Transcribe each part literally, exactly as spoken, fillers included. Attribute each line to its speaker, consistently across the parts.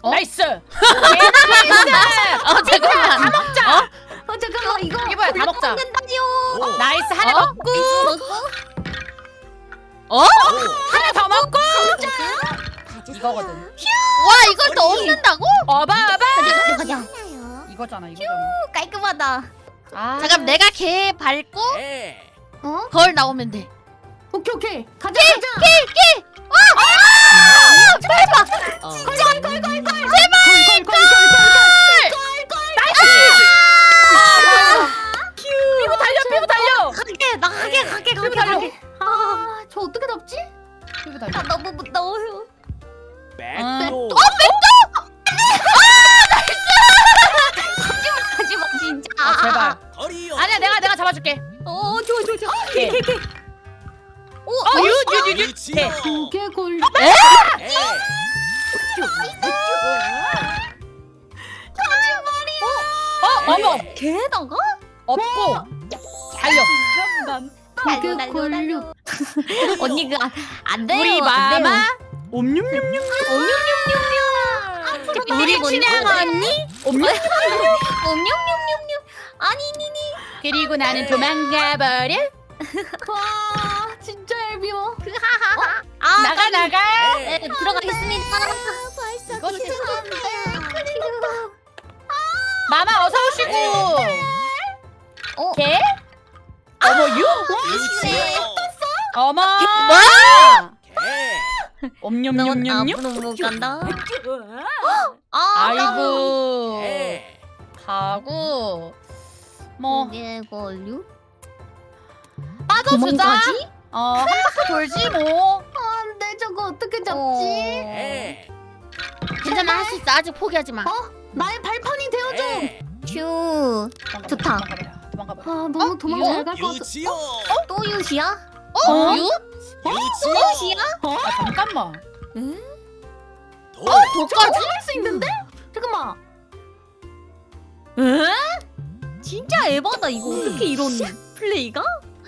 Speaker 1: 어?
Speaker 2: 나이스.
Speaker 1: 어 잠깐만.
Speaker 2: 다 먹자.
Speaker 1: 어?
Speaker 3: 어 잠깐만 이거
Speaker 2: 이게 뭐야? 다 먹자.
Speaker 3: 먹는다요.
Speaker 2: 나이스 하나
Speaker 1: 어?
Speaker 2: 먹고
Speaker 1: 어?
Speaker 2: 하나 더 먹고 이거거든.
Speaker 1: 와 이걸 또 얻는다고?
Speaker 2: 어바 어바.
Speaker 3: 가자 가자.
Speaker 2: 이거잖아 이거잖아.
Speaker 3: 깔끔하다.
Speaker 2: 아.
Speaker 1: 잠깐 내가 걔 밟고
Speaker 3: 어?
Speaker 1: 걸 나오면 돼.
Speaker 3: 오케이 오케이. 가자 가자.
Speaker 1: 대박. 어.
Speaker 2: 피부 달려 피부 달려.
Speaker 3: 가게 나가게 가게 가게
Speaker 2: 달려.
Speaker 3: 가게. 아저 어떻게 잡지?
Speaker 2: 피부
Speaker 3: 나
Speaker 2: 달려.
Speaker 3: 너무 무서워요.
Speaker 4: 백도.
Speaker 3: 하지마 진짜.
Speaker 2: 아 제발.
Speaker 4: 거리요.
Speaker 2: 아니야 내가 내가 잡아줄게.
Speaker 3: 어 좋아 좋아 좋아.
Speaker 2: 오케이.
Speaker 3: 오케이 오케이.
Speaker 2: 어 유유유유.
Speaker 4: 유치요.
Speaker 3: 두개 걸.
Speaker 4: 에.
Speaker 2: 어 어머
Speaker 3: 개다가?
Speaker 2: 없고 달려.
Speaker 3: 두개 걸류. 언니 그안 돼요.
Speaker 2: 우리
Speaker 3: 안 돼요.
Speaker 2: 마마. 옴뇸뇸뇸. 우리
Speaker 3: 뭐니?
Speaker 2: 친양 언니. 옴뇸.
Speaker 3: 옴뇸뇸뇸뇸. 아니니니.
Speaker 2: 그리고 나는 도망가 버려.
Speaker 3: 와 진짜 얄미워.
Speaker 2: 아 나가 나가.
Speaker 3: 네, 들어가겠습니다.
Speaker 2: 이거
Speaker 3: 죄송한데.
Speaker 2: 마마 어서 오시고.
Speaker 3: 어?
Speaker 2: 개? 어머 유?
Speaker 4: 유치요.
Speaker 2: 어머.
Speaker 1: 뭐야?
Speaker 4: 개.
Speaker 3: 넌
Speaker 2: 옴뇸뇸뇸뇸.
Speaker 3: 앞으로 못 간다. 아,
Speaker 2: 아이고.
Speaker 4: 개.
Speaker 2: 가고. 뭐
Speaker 3: 이게 걸류?
Speaker 2: 빠져주자.
Speaker 3: 도망가지?
Speaker 2: 어, 한 바퀴 돌지 뭐.
Speaker 3: 안돼 저거 어떻게 잡지?
Speaker 4: 개.
Speaker 1: 괜찮아 할 수 있어. 아직 포기하지 마.
Speaker 3: 어? 나의 발판이 되어줘.
Speaker 4: 개.
Speaker 3: 슈. 좋다.
Speaker 2: 도망가 봐.
Speaker 3: 아 너무
Speaker 1: 어?
Speaker 3: 도망
Speaker 1: 이거?
Speaker 3: 잘 갈 것 같아.
Speaker 4: 유치요.
Speaker 3: 또 유시야?
Speaker 1: 어?
Speaker 2: 어?
Speaker 1: 유?
Speaker 4: 유치요.
Speaker 3: 유시야?
Speaker 2: 아 잠깐만.
Speaker 4: 도.
Speaker 3: 저거 참을 수 있는데? 잠깐만. 에? 진짜 에바다 이거 어떻게 이런 플레이가?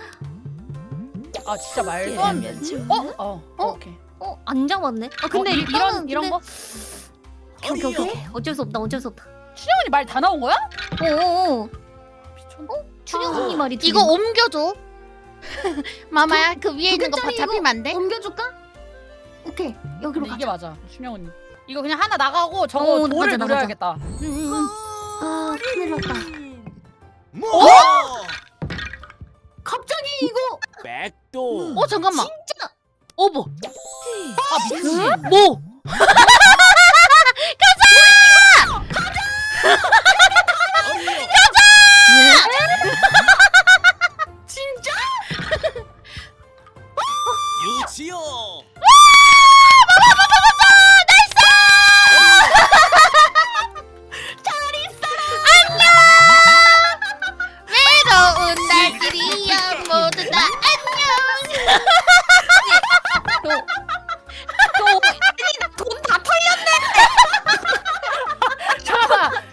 Speaker 2: 아 진짜 말도 안 돼. 어? 어. 어? 오케이.
Speaker 3: 어? 안 잡았네? 아 근데
Speaker 2: 어, 이-
Speaker 3: 일단은
Speaker 2: 이런 이런 거.
Speaker 3: 오케이 오케이 오케이 어쩔 수 없다 어쩔 수 없다.
Speaker 2: 춘영언니 말 다 나온 거야?
Speaker 3: 어어어
Speaker 2: 미쳤나?
Speaker 3: 추경 언니 말이
Speaker 1: 이거 옮겨줘. 마마야 그 위에
Speaker 3: 두
Speaker 1: 있는 거
Speaker 3: 개짜리
Speaker 1: 잡히면 안 돼?
Speaker 3: 옮겨줄까? 오케이 여기로
Speaker 2: 근데 이게
Speaker 3: 가자.
Speaker 2: 맞아. 춘영언니. 이거 그냥 하나 나가고 저거
Speaker 3: 어,
Speaker 2: 돌을
Speaker 3: 맞아, 맞아.
Speaker 2: 노려야겠다.
Speaker 3: 응응응. 아 큰일 났다.
Speaker 4: 뭐?
Speaker 3: 갑자기 이거
Speaker 4: 백도.
Speaker 1: 어 잠깐만.
Speaker 3: 진짜
Speaker 1: 어버.
Speaker 2: 아 미치.
Speaker 1: 뭐?